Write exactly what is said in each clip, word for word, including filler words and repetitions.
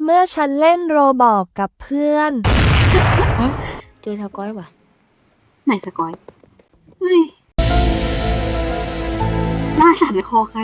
เมื่อฉันเล่นโรบอกกับเพื่อนเจอสกอยว่ะไหนสกอยเฮ้ยหน้าฉันคอใคร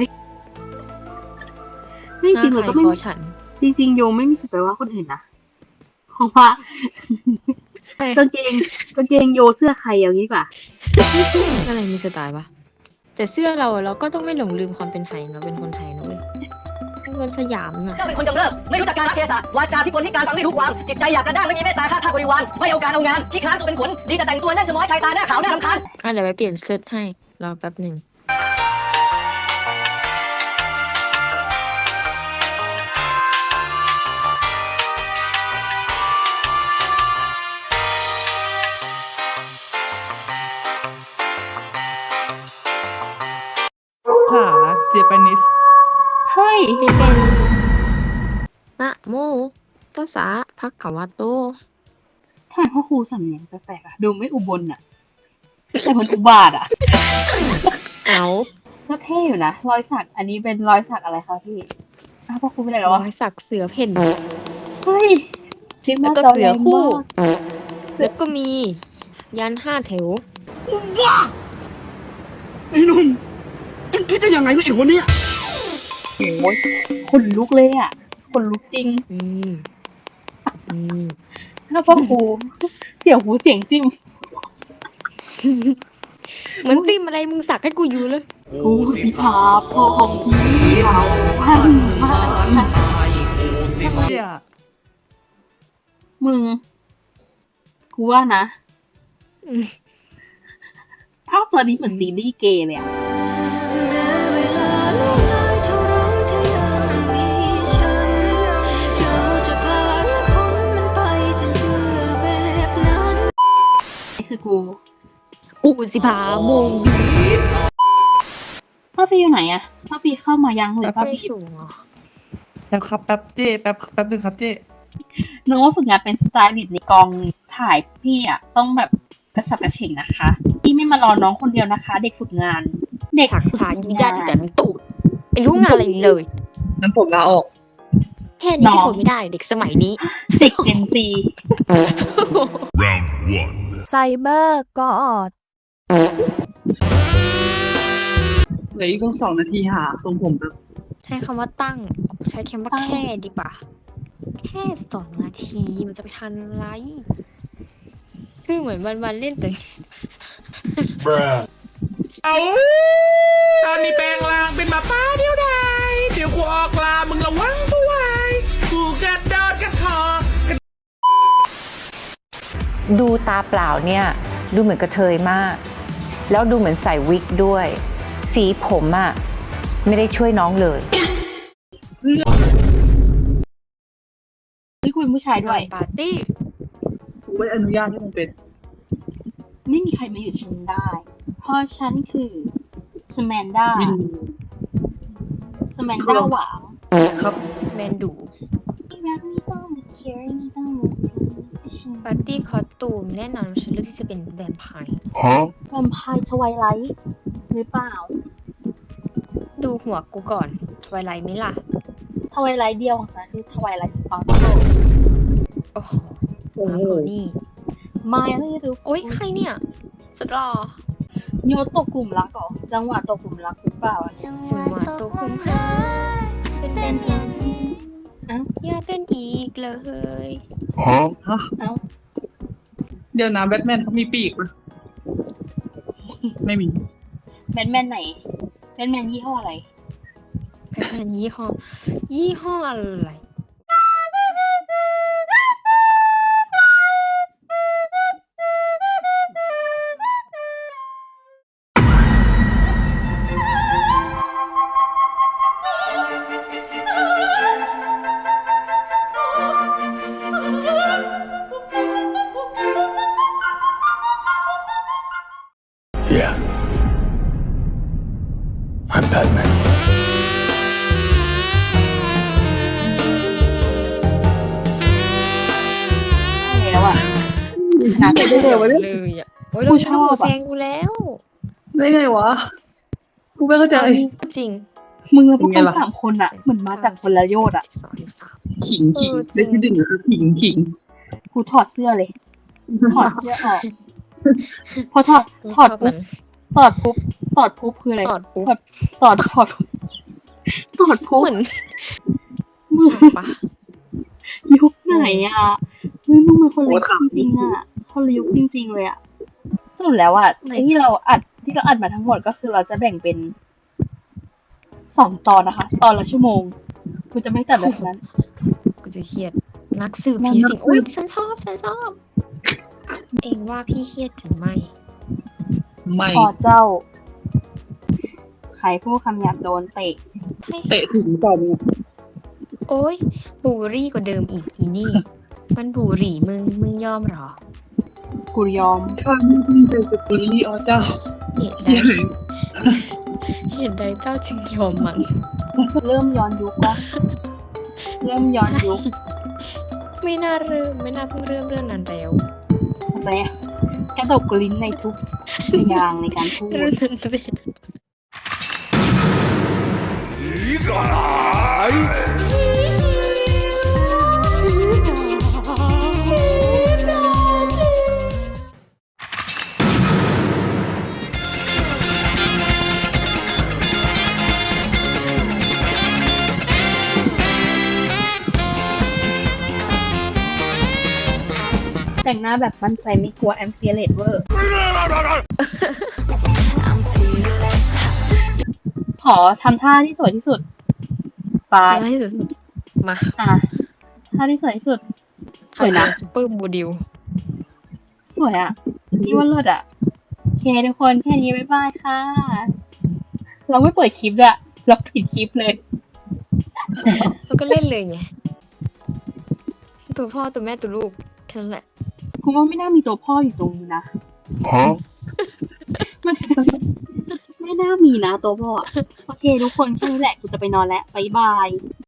จริงๆเราก็ไม่จริงๆโยไม่มีสิทธิ์ไปว่าคนอื่นนะเพราะว่ากางเกงกางเกงโยเสื้อใครอย่างนี้กว่าอะไรมีสไตล์ปะแต่เสื้อเราเราก็ต้องไม่หลงลืมความเป็นไทยเราเป็นคนไทยนะเว้ยเป็นคนสยามน่ะเจ้าเป็นคนกำเริบไม่รู้จักการรักเทศะวาจาพิกลพิการฟังไม่รู้ความจิตใจอยากกระด้างไม่มีเมตตาฆ่าทาสบริวารไม่เอาการเอางานขี้คลานตัวเป็นขนดีแต่แต่งตัวแน่นสมอยชายตาหน้าขาวหน้ารำคาญอ่ะเดี๋ยวไปเปลี่ยนเสื้อให้รอแป๊บหนึ่งค่ะเจแปนิสเฮ้ยจะเป็นนะโมตัสสะภะคะวะโตทำไมพ่อครูสำเนียงแปลกๆอะดูไม่อุบลอะแต่มันอุบาทอะเอาก็เท่อยู่นะรอยสักอันนี้เป็นรอยสักอะไรคะพี่อ้าวพ่อครูเป็นอะไรวะรอยสักเสือเพ่นเฮ้ยแล้วก็เสือคู่แล้วก็มียันห้าแถวว้าไอ้หนุ่มคิดได้ยังไงไม่เห็นวันนี้โอ้ยขนลุกเลยอ่ะขนลุกจริงอืมอืมแล้วพ่อครูเสียวหูเสียงจิ้มเหมือนจิ้มอะไรมึงสักให้กูอยู่เลยกูสิพาพ่อของพี่เราพันมามึงกูว่านะภาพตัวนี้เหมือนซีรีส์เกย์เลยอ่ะคือกูกูสิพาโมงพ่อพี่อยู่ไหนอะพ่อพี่เข้ามายังหรือพ่อพี่สูงอ่ะแล้วครับแป๊บเจ้แป๊บแป๊บนึงครับเจ้น้องฝึกงานเป็นสไตลิสต์ในกองถ่ายพี่อะต้องแบบกระฉับกระเฉงนะคะพี่ไม่มารอน้องคนเดียวนะคะ เด็กฝึกงานเด็กฝึกงานยุ่งยากแต่มันตูดไม่รู้งานอะไรเลยนั้นผมลาออกแค่นี้ก็ทนไม่ได้เด็กสมัยนี้เด็กเจนซี round one ไซเบอร์กอดเหลืออีกสองนาทีหาทรงผมจะใช้คำว่าตั้งใช้คำว่าแค่ดีกว่าแค่สองนาทีมันจะไปทันไรคือเหมือนวันวันเล่นแต่เอาตอนนี้แปลงร่างเป็นหมาป้าเดียวดายเดี๋ยวกูออกลามึงระวังตัวไว้กูกระโดดกระทอดูตาเปล่าเนี่ยดูเหมือนกระเทยมากแล้วดูเหมือนใส่วิกด้วยสีผมอะไม่ได้ช่วยน้องเลยนี่คุณผู้ชายด้วยปาร์ตี้กูไม่อนุญาตให้มึงเป็นไม่มีใครมาอยู่ฉันได้เพราะฉันคือสแมนด้าสแมนด้าหวานครับสแมนดูปาร์ตี้คอสตูมแน่นอนฉันเลือกที่จะเป็นแวมไพร์แวมไพร์ทไวไลท์หรือเปล่าดูหัวกูก่อนทวายไลท์ไหมล่ะทวายไลท์เดียวของฉันคือทวายไลท์สปาร์คโอ้โหโอ้โหนี่มาไม่ดูโอ๊ยใครเนี่ยสุดหล่อโยตกกลุ่มรักเหรอจังหวะตกกลุ่มรักหรือเปล่าจังหวะตกกลุ่มรักเป็นเป็นอีกอย่าเป็นอีกเลยฮะฮะเดี๋ยวนะแบทแมนเขามีปีกมั้ยไม่มีแบทแมนไหนแบทแมนยี่ห้ออะไรแบทแมนยี่ห้อยี่ห้ออะไร Yeah, I'm Batman. แล้วอ่ะน่าจะได้เลยวะเนี่ยเลยอ่ะโอ้ยเราชอบแซงกูแล้วได้ไงวะกูไม่เข้าใจจริงมึงพวกคนสามคนอ่ะเหมือนมาจากคนละโยชน์อ่ะขิงขิงเออจริได้งที่หนึ่งคือขิงขิงกูถอดเสื้อเลย ถอดเสื้อออก พอถอดกูถอดชอบปุ๊มับนถอดปุ๊บถอดปุ๊บคืออะไรถอดปุ๊บถอดถอดถอดถอดปุ๊บเหมือนมือปะยุคไหนอ่ะเฮ้ยมึงเป็นคนละยุคจริงๆอ่ะคนละยุคจริงๆเลยอ่ะสรุปแล้วอ่ะไอ้ที่เราอัดที่เราอัดมาทั้งหมดก็คือเราจะแบ่งเป็นสองตอนนะคะ ตอนละชั่วโมงกูจะไม่จัดแบบนั้นกูจะเครียด นักสืบผีสิงอุ้ยฉันชอบฉันชอบ เองว่าพี่เครียดหรือไม่ไม่พอเจ้า ใครพูดคำหยาบโดนเตะใช่เตะถึงก่อนเนี่ยโอ้ยบูรี่กว่าเดิมอีกอีนี่ มันบูรี่มึงมึงยอมเหรอกูยอมถ้าไม่มีเป็นสกุลลี่อ๋อเจ้าเหตุใด เหตุใดเจ้าจึงยอมมันเริ่มย้อนยุคปะเริ่มย้อนยุคไม่น่าเริ่มไม่น่าเพิ่งเริ่มเรื่องนั้นแล้วอะไรอะกระดกลิ้นในทุกอย่างในการพูดเรื่องนั้นเลยแต่งหน้าแบบมั่นใจไม่กลัวแอมเฟียเลตเวอร์ ขอทำท่าที่สวยที่สุดไปง่ายสุดๆมาอ่ะท่าที่สวยที่สุด สวยนะซุปเปอร์โมเดลสวยอ่ะนี่ว่าเลิศอ่ะโอเคทุกคนแค่นี้บ๊ายบายค่ะ เราไม่เปิดคลิปด้วยเราปิดคลิปเลยแล้วก็เล่นเลยไง ตัวพ่อตัวแม่ตัวลูกแค่นั้นแหละกูว่าไม่น่ามีตัวพ่ออยู่ตรงนี้นะ Huh? มันไม่น่ามีนะตัวพ่ออะโอเคทุกคนแค่นี้แหละกูจะไปนอนแล้วบ๊ายบาย